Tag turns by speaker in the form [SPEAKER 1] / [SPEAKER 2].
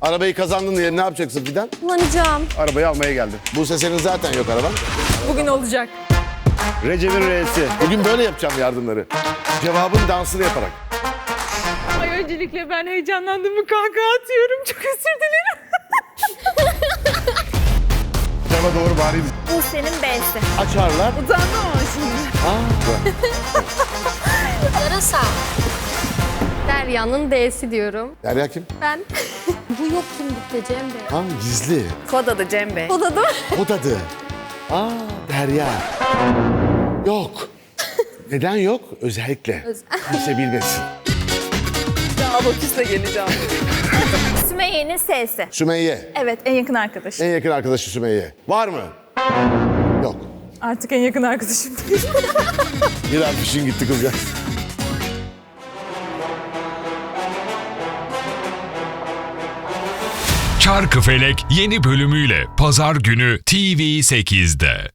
[SPEAKER 1] Arabayı kazandın diye ne yapacaksın Fidan?
[SPEAKER 2] Kullanacağım.
[SPEAKER 1] Arabayı almaya geldi. Buse senin zaten yok araban.
[SPEAKER 3] Bugün olacak.
[SPEAKER 1] Recep'in R'si. Bugün böyle yapacağım yardımları. Cevabın dansını yaparak.
[SPEAKER 3] Ay öncelikle ben heyecanlandım mı kahkaha atıyorum. Çok özür dilerim.
[SPEAKER 1] Cevaba doğru bari.
[SPEAKER 2] Buse'nin B'si.
[SPEAKER 1] Açarlar.
[SPEAKER 3] Utandım ama şimdi.
[SPEAKER 2] Yarasa. Derya'nın D'si diyorum.
[SPEAKER 1] Derya kim?
[SPEAKER 2] Ben. Bu yok kimlikte Cem Bey.
[SPEAKER 1] Ha, gizli.
[SPEAKER 3] Kod adı Cem Bey.
[SPEAKER 2] O da değil mi?
[SPEAKER 1] O dadı. Derya. Yok. Neden yok? Özellikle. Kimse bilmesin.
[SPEAKER 3] Abaküsle geleceğim.
[SPEAKER 2] Sümeyye'nin S'si.
[SPEAKER 1] Sümeyye.
[SPEAKER 3] Evet, en yakın arkadaş.
[SPEAKER 1] En yakın arkadaşı Sümeyye. Var mı? Yok.
[SPEAKER 3] Artık en yakın arkadaşım değil.
[SPEAKER 1] Bir harfişin gitti kızcağız.
[SPEAKER 4] Çarkıfelek yeni bölümüyle Pazar günü TV8'de.